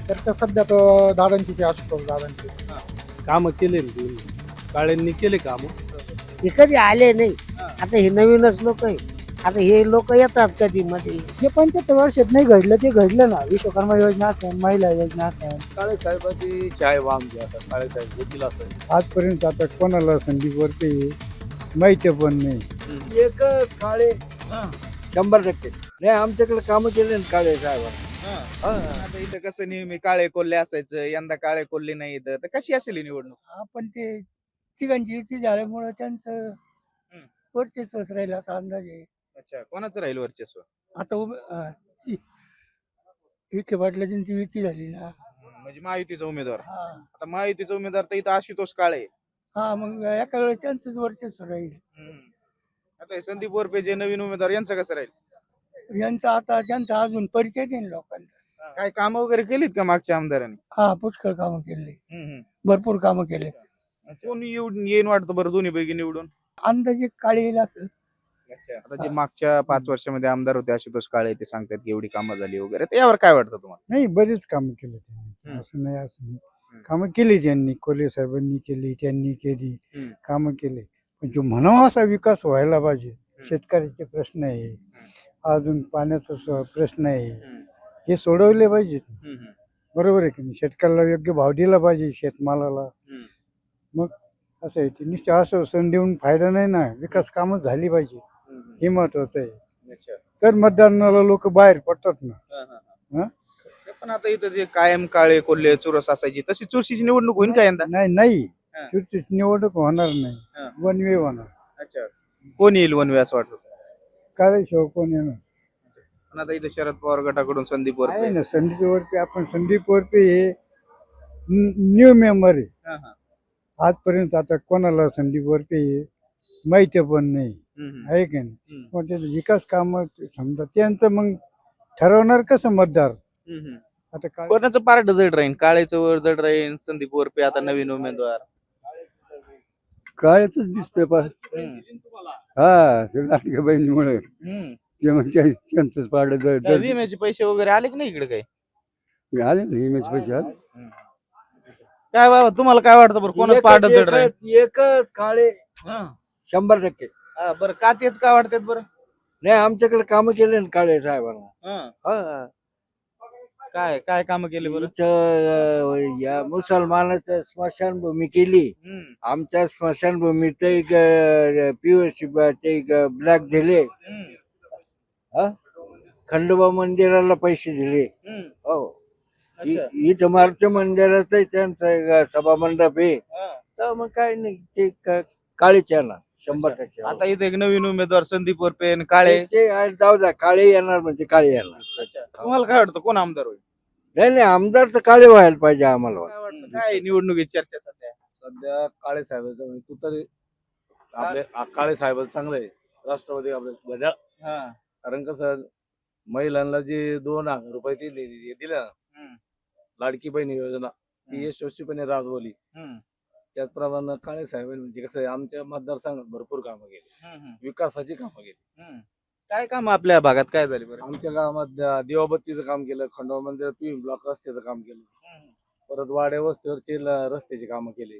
तर ते सध्या तर दादांची ते आशुतोष दादांची कामं केले ना त्यांनी. काळ्यांनी केले कामं. हे कधी आले नाही. आता हे नवीनच लोक आहे. आता हे लोक येतात कधी मध्ये. जे 75 वर्षात नाही घडलं ते घडलं ना. विश्वकर्मा योजना असेल, महिला योजना असेल. काळे साहेबाची चाय वाम जे असतात काळे साहेब होतील असं आजपर्यंत आता कोणाला संदीप वरते माहिती पण नाही. एक काळे 100% नाही आमच्याकडे कामं केले ना काळे साहेब. आता इथं कसं नेहमी काळे कोल्हे असायचं, यंदा काळे कोल्हे नाही इथं, तर कशी असेल ही निवडणूक? आपण ते तिघांची युती झाल्यामुळे त्यांचं वर्चस्वच राहील असा अंदाज आहे. अच्छा, कोणाचं राहील वर्चस्व? आता विखे पाटलांची युती झाली ना. म्हणजे महायुतीचा उमेदवार. हा आता महायुतीचा उमेदवार तर इथं आशुतोष काळे. हा, मग एका वेळेस त्यांचंच वर्चस्व राहील. आता हे संदीप वरपे जे नवीन उमेदवार यांचं कसं राहील? यांचा आता त्यांचा अजून परिचय नाही लोकांचा. काय कामं वगैरे केलीत का मागच्या आमदारांनी? हा, पुष्कळ कामं केले, भरपूर कामं केले. कोण येईन वाटतं बरं दोन्ही पैकी निवडून? अंदाजे काळे येईल असं. अच्छा, आता जे मागच्या 5 वर्षामध्ये आमदार होते आशुतोष काळे ते सांगतात की एवढी कामं झाली वगैरे, तर यावर काय वाटतं तुम्हाला? नाही, बरेच कामं केले त्यांनी, असं नाही असं नाही. कामं केली त्यांनी, कोल्हे साहेबांनी केली, त्यांनी केली, कामं केले. पण जो म्हणावा असा विकास व्हायला पाहिजे. शेतकऱ्याचे प्रश्न आहे, अजून पाण्याचा प्रश्न आहे, हे सोडवले पाहिजेत. बरोबर आहे की नाही? शेतकऱ्याला योग्य भाव दिला पाहिजे शेतमालाला. मग असं आहे ते नुसतं असं सण देऊन फायदा नाही ना. विकास कामं झाली पाहिजे, हे महत्वाचं आहे. तर मतदानाला लोक बाहेर पडतात ना. पण आता इथं जे कायम काळे कोल्हे चुरस असायची तशी चुरशीची निवडणूक होईल का यंदा? नाही चुरशीची निवडणूक होणार नाही. वन वे होणार. अच्छा, कोण येईल वनवे असं वाटतं? काळेशिवाय कोण येणार? पण आता इथं शरद पवार गटाकडून संदीप आहे वरपे. ना संदीप वरपे. आपण संदीप वरपे हे न्यू मेंबर आहे. आजपर्यंत आता कोणाला संदीप वरपे हे माहिती पण नाही, आहे की नाही? मग ते विकास काम समजा त्यांचं मग ठरवणार कसं मतदार. आता काय कोणाचं पार्ट जड राहील? काळेचं वर जड राहील, संदीप वरपे आता नवीन उमेदवार. काळेच दिसतंय पा हा ते लाटक्या बहिणीमुळे ते म्हणजे त्यांचंच पाडलं काय विम्याचे पैसे वगैरे आले की नाही इकडे काही? आले नेहमीच पैसे आले. काय बाबा तुम्हाला काय वाटतं बरं कोणाचं पार्ट जड राहील? एकच काळे 100%. बरं का तेच काय वाटतात बरं? नाही आमच्याकडे कामं केले ना काळे साहेबांना. हा. काय काय कामं केली बरं? इथं, या मुसलमानाचं स्मशानभूमी केली. आमच्या स्मशानभूमीत एक POC ते ब्लॅक दिले. खंडोबा मंदिराला पैसे दिले. हो. इथं मारुती मंदिरात त्यांचं एक सभा मंडप आहे. तर मग काय नाही ते काळेच येणार 100%. आता इथे एक नवीन उमेदवार संदीप वरपे आणि काळे. ते जाऊ द्या काळे येणार म्हणजे काळे येणार. तुम्हाला काय वाटतं कोण आमदार होईल? नाही आमदार तर काळे व्हायला पाहिजे आम्हाला. काय वाटतं काय निवडणुकीची चर्चा सध्या काळे साहेबांचं म्हणजे तू तरी आपले काळे साहेब चांगलं आहे. राष्ट्रवादी आपले घड्याळ. कारण कसं महिलांना जे 2,000 रुपये दिले ना, लाडकी बहीण योजना ती यशस्वीपणे राबवली. त्याचप्रमाणे काळे साहेबांनी म्हणजे कसं आहे आमच्या मतदारसंघात भरपूर कामं केली, विकासाची कामं केली. काय काम आपल्या भागात काय झाली बरं? आमच्या गावात दिवाबत्तीचं काम केलं, खंडोबा मंदिर PV ब्लॉक रस्त्याचं काम केलं, परत वाड्या वस्तीवरचे रस्त्याची कामं केली.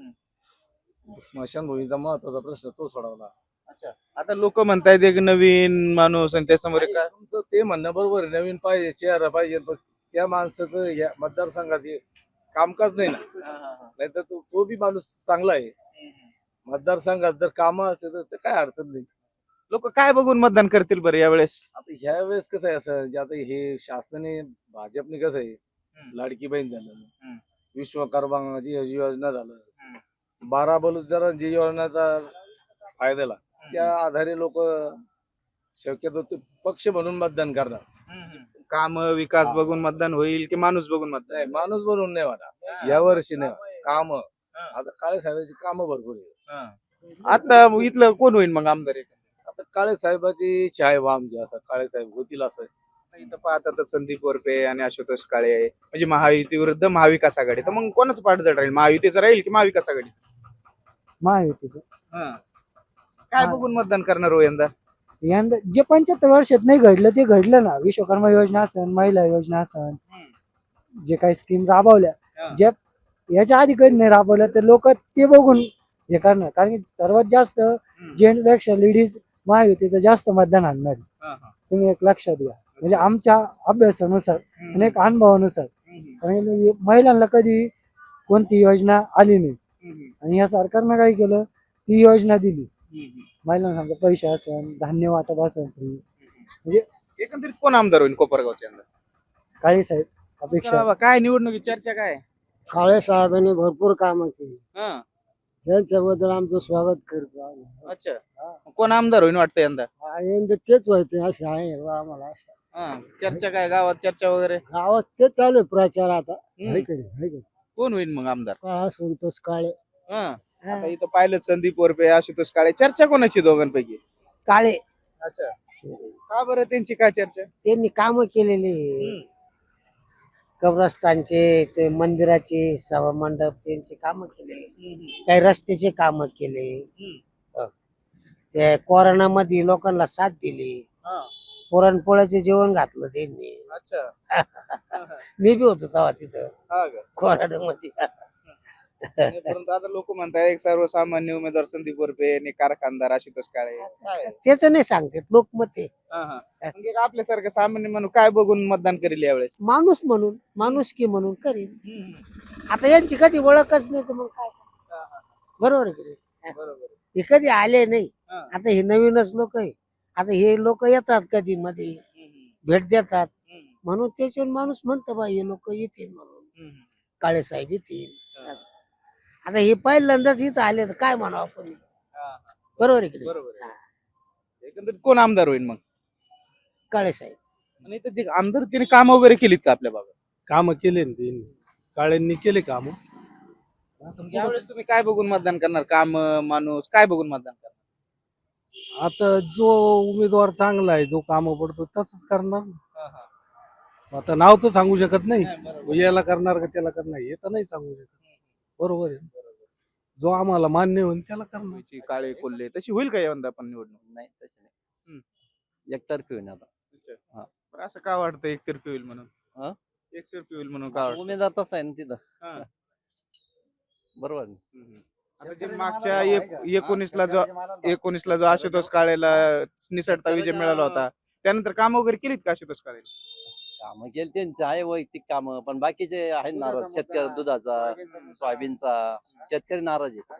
स्मशानभूमीचा महत्वाचा प्रश्न तो सोडवला. अच्छा, आता लोक म्हणतायत एक नवीन माणूस आणि त्यासमोर काय? तुमचं ते म्हणणं बरोबर आहे, नवीन पाहिजे, चेहरा पाहिजे, पण त्या माणसाचं या मतदारसंघात कामकाज नाही ना. नाही तर तो बी माणूस चांगला आहे. मतदारसंघात जर कामं असेल तर काय अडचण नाही. लोक काय बघून मतदान करतील बरं यावेळेस? आता ह्या वेळेस कसं आहे असं जे आता हे शासनाने भाजपने कसं आहे लाडकी बहीण झालं, विश्वकर्माची योजना झालं, 12 बलुतेदारांची योजनेचा फायद्याला त्या आधारे लोक शक्यतो ते पक्ष म्हणून मतदान करणार. काम विकास बघून मतदान होईल की माणूस बघून मतदान? नाही माणूस बनवून नाही म्हणा, यावर्षी नाही काम. आता काळे साहेबांची कामं भरपूर आहे. आता इथलं कोण होईल मग आमदार? आता काळे साहेबाची इच्छा आहे बा आमची, असं काळे साहेब होतील असं. इथं पाहता तर संदीप वरपे आणि आशुतोष काळे आहे, म्हणजे महायुती विरुद्ध महाविकास आघाडी. तर मग कोणाचं पाठ जड राहील? महायुतीचं राहील की महाविकास आघाडी? महायुतीचं. काय बघून मतदान करणार हो यंदा? यंदा जे 75 वर्षात नाही घडलं ते घडलं ना. विश्वकर्मा योजना असेल, महिला योजना असेल, जे काही स्कीम राबवल्या हा. ज्या याच्या आधी कधी नाही राबवल्या तर लोक ते बघून हे करणार, कारण की सर्वात जास्त जेंट्सपेक्षा लेडीज महायुतीचं जास्त मतदान आणणार आहे. हा, हा. तुम्ही एक लक्षात घ्या, म्हणजे आमच्या अभ्यासानुसार आणि एक अनुभवानुसार, कारण की महिलांना कधी कोणती योजना आली नाही आणि या सरकारनं काय केलं, ती योजना दिली महिलांना, समजा पैसे असेल, धान्य वाटप असेल, म्हणजे एकंदरीत कोण आमदार होईल कोपरगावच्या यंदा? काळे साहेब अपेक्षा. बाबा, काय निवडणुकी चर्चा काय? काळे साहेबांनी भरपूर कामं केली, हा, त्यांच्याबद्दल आमचं स्वागत करतो आम्ही. अच्छा. कोण आमदार होईल वाटतं यंदा? यंदा तेच व्हायचे असे आहे आम्हाला. हा, चर्चा काय गावात, चर्चा वगैरे? गावात तेच चालू आहे प्रचार आता. हम्म. है की नाही? है की नाही? कोण होईल मग आमदार? काय संतोष काळे. हा, आता इथं पाहिलं संदीप वरपे, आशुतोष काळे, चर्चा कोणाची दोघांपैकी? काळे अच्छा. का बरं त्यांची काय चर्चा? त्यांनी कामं केलेली, कब्रस्तानचे, ते मंदिराचे, सभा मंडप, त्यांचे कामं केले, काही रस्त्याचे कामं केले, ते कोरोनामध्ये लोकांना साथ दिली, हा, पुरणपोळ्याचे जेवण घातलं त्यांनी. अच्छा. हा, मी बी होतो तेव्हा तिथं हा का? कोरोनामध्ये. आणि परंतु आता लोक म्हणतात एक सर्वसामान्य उमेदवार संदीप वरपे आणि कारखानदार आशुतोष काळे. काय? त्याच नाही सांगतात लोकमत आहे. हा, हा. मग एक आपल्यासारखं सामान्य म्हणून काय बघून मतदान करेल यावेळेस? माणूस म्हणून, माणुसकी म्हणून करीन. आता यांची कधी ओळखच नाही तर मग काय, बरोबर आहे की नाही? बरोबर. हे कधी आले नाही, हा. आता हे नवीनच लोक आहे. आता हे लोक येतात कधी मध्ये, भेट देतात, म्हणून त्याच्यावर माणूस म्हणतो बा हे लोक येतील म्हणून, काळे साहेब येतील. आता हे पहिल्यांदाच इथं आले तर काय म्हणावं आपण, बरोबर आहे की नाही? बरोबर आहे. एकंदरीत कोण आमदार होईल मग? काळे साहेब. आणि इथं जे आमदार तिने काम वगैरे केलीत का आपल्या भागात? काम केले ना त्यांनी, काळ्यांनी केले काम. यावेळेस तुम्ही काय बघून मतदान करणार? काम, माणूस, काय बघून मतदान करणार? आता जो उमेदवार चांगला आहे, जो काम पडतो तसंच करणार. आता नाव तर सांगू शकत नाही, याला करणार का त्याला करणार हे तर नाही सांगू शकत. बरोबर आहे. जो आम्हाला मान्य होईल त्याला करणार. तुमची काळे कोल्हे तशी होईल का यंदा पण निवडणूक? नाही तसे नाही, एकतर्फी होईल आता. हा. बरं, असं का वाटतं एकतर्फी होईल म्हणून? हा? एकतर्फी होईल म्हणून का वाटतं? उमेदवार तसा आहे ना हा. तिथं, बरोबर ना? आता जे मागच्या 19ला जो आशुतोष काळेला निसटता विजय मिळाला होता, त्यानंतर काम वगैरे केलीत का आशुतोष काळे? कामं केली त्यांचं आहे, वैयक्तिक कामं, पण बाकीचे आहेत नाराज. शेतकरी दुधाचा, सोयाबीनचा, शेतकरी नाराज आहे.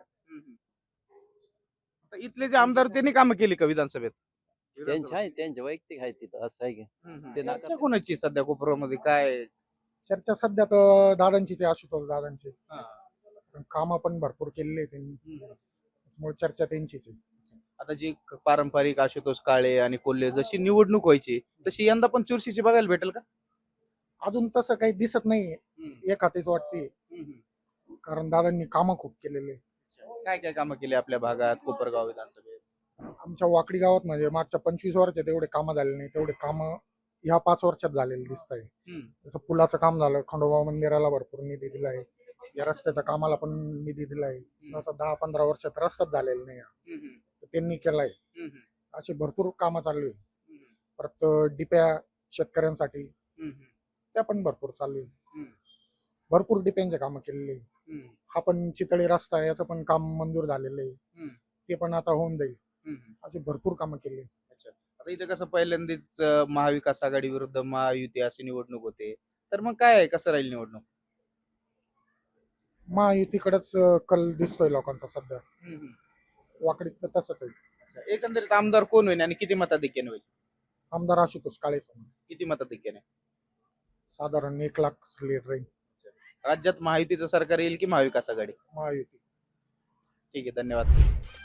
आता इथले जे आमदार त्यांनी कामं केली का विधानसभेत? त्यांचे आहे, त्यांचे वैयक्तिक आहे तिथं, असं आहे की ते चर्चा कोणाची सध्या कोपरामध्ये काय? चर्चा सध्या तर दादांचीच आहे, आशुतोष दादांची. कामं पण भरपूर केलेली आहे त्यांनी, त्यामुळे चर्चा त्यांचीच आहे. आता जी पारंपरिक आशुतोष काळे आणि कोल्हे जशी निवडणूक व्हायची तशी यंदा पण चुरशीची बघायला भेटेल का? अजून तसं काही दिसत नाहीये, एक हातीच वाटते, कारण दादांनी कामं खूप केलेले आहे. काय काय कामं केली आपल्या भागात कोपरगाव विधानसभेत? आमच्या वाकडी गावात म्हणजे मागच्या 25 वर्षात एवढे कामं झाले नाही, तेवढे कामं ह्या 5 वर्षात झालेले दिसत आहे. जसं पुलाचं काम झालं, खंडोबा मंदिराला भरपूर निधी दिला आहे, या रस्त्याच्या कामाला पण निधी दिला आहे. जसं 10-15 वर्षात रस्ताच झालेला नाही, तर त्यांनी केलाय. अशी भरपूर कामं चालू आहे. परत डिप्या शेतकऱ्यांसाठी त्या पण भरपूर चालू आहे. भरपूर डिप्यांचे कामं केलेले आहे. हा पण चितळी रस्ता आहे, याचं पण काम मंजूर झालेलं आहे, ते पण आता होऊन जाईल. अशी भरपूर कामं केली. आता इथे कसं पहिल्यांदाच महाविकास आघाडी विरुद्ध महायुती अशी निवडणूक होते, तर मग काय आहे, कसं राहील निवडणूक? महायुतीकडेच कल दिसतोय लोकांचा सध्या, वाकडीत तर तसंच आहे. एकंदरीत आमदार कोण होईल आणि किती मताधिक्याने होईल? आमदार आशुतोष काळे किती मताधिक्याने? साधारण 1 लाख लीड राहील. राज्यात महायुतीचं सरकार येईल की महाविकास आघाडी? महायुती. ठीक आहे, धन्यवाद.